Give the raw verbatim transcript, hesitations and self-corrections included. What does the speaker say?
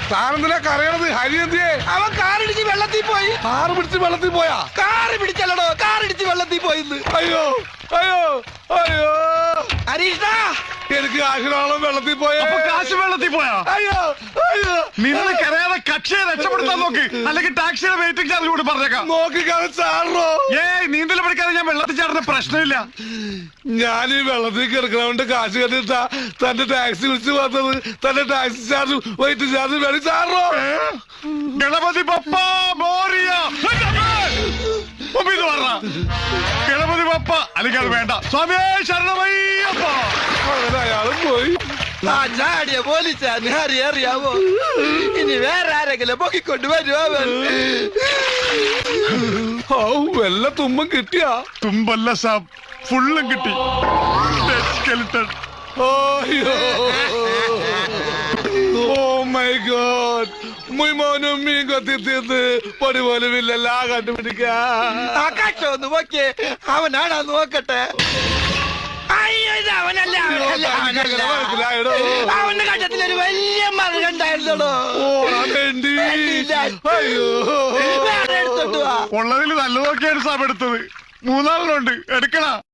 താനെന്തിനാ കരയണത്? ഹരി എന്തിയേ? അവൻ കാറിടിച്ച് വെള്ളത്തിൽ പോയി. കാറ് പിടിച്ച് വെള്ളത്തിൽ പോയാ? കാറ് പിടിച്ചല്ലടോ, കാറിടിച്ച് വെള്ളത്തിൽ പോയിന്ന്. അയ്യോ അയ്യോ അയ്യോ ഹരീഷ്ണ, എനിക്ക് കാശിനാളം വെള്ളത്തിൽ പോയ. കാശ് വെള്ളത്തിൽ പോയാ? അയ്യോ അയ്യോ നിന്ന് കരയാതെ കക്ഷിയെ രക്ഷപ്പെടുത്താൻ നോക്ക്, അല്ലെങ്കിൽ ടാക്സിയുടെ വെയിറ്റിംഗ് ചാർജ് കൂടി പറഞ്ഞേക്കാം. നോക്കിക്കാതെ ചാടണോ? ഏയ് നീന്തൽ പഠിക്കാതെ ഞാൻ വെള്ളത്തിൽ ചാടുന്ന പ്രശ്നമില്ല. ഞാൻ ഈ വെള്ളത്തിൽ കിടക്കണോണ്ട് കാശ് കണ്ടിട്ടാ തന്റെ ടാക്സി വിളിച്ച് വന്നത്. തന്റെ ടാക്സി ചാർജ് വെയിറ്റ് ചാർജ് വേണ്ടി ചാടണോ? ഗണപതി പപ്പ മോറിയ ഗണപതി പപ്പ അല്ലെങ്കിൽ അത് വേണ്ട. സ്വാമിയേ ശരണമയ്യപ്പ. അങ്ങനെ അയാളും പോയി. ആ ചാടിയ പോലീസാന്ന് ഹരി അറിയാവോ? ഇനി വേറെ ആരെങ്കിലും പൊക്കിക്കൊണ്ട് വരുമോ അവൻ? ഓ വല്ല തുമ്പം കിട്ടിയാ? തുമ്പല്ല സാബ്, ഫുള്ളും കിട്ടി. സ്കെലിട്ടൺ. ഓ മൈ ഗോഡ്, മുയ് മോനും മീൻ കൊത്തി തീർന്ന് പൊടി പോലും ഇല്ലല്ല കണ്ടുപിടിക്കാ. ആ കട്ടോ ഒന്ന് നോക്കിയേ, അവനാണോ നോക്കട്ടെ. അയ്യോ ഇത് അവനല്ല, അവനല്ല, അവനല്ല. മനസ്സിലായടോ? അവന്റെ കണ്ടത്തിലൊരു വലിയ മറുകണ്ടായിരുന്നോ. അയ്യോ വേറെ എടുത്തോട്ട് വാ. ഉള്ളതിൽ നല്ലതൊക്കെയാണ് സാബ് എടുത്തത്. മൂന്നാളിലുണ്ട്, എടുക്കണ.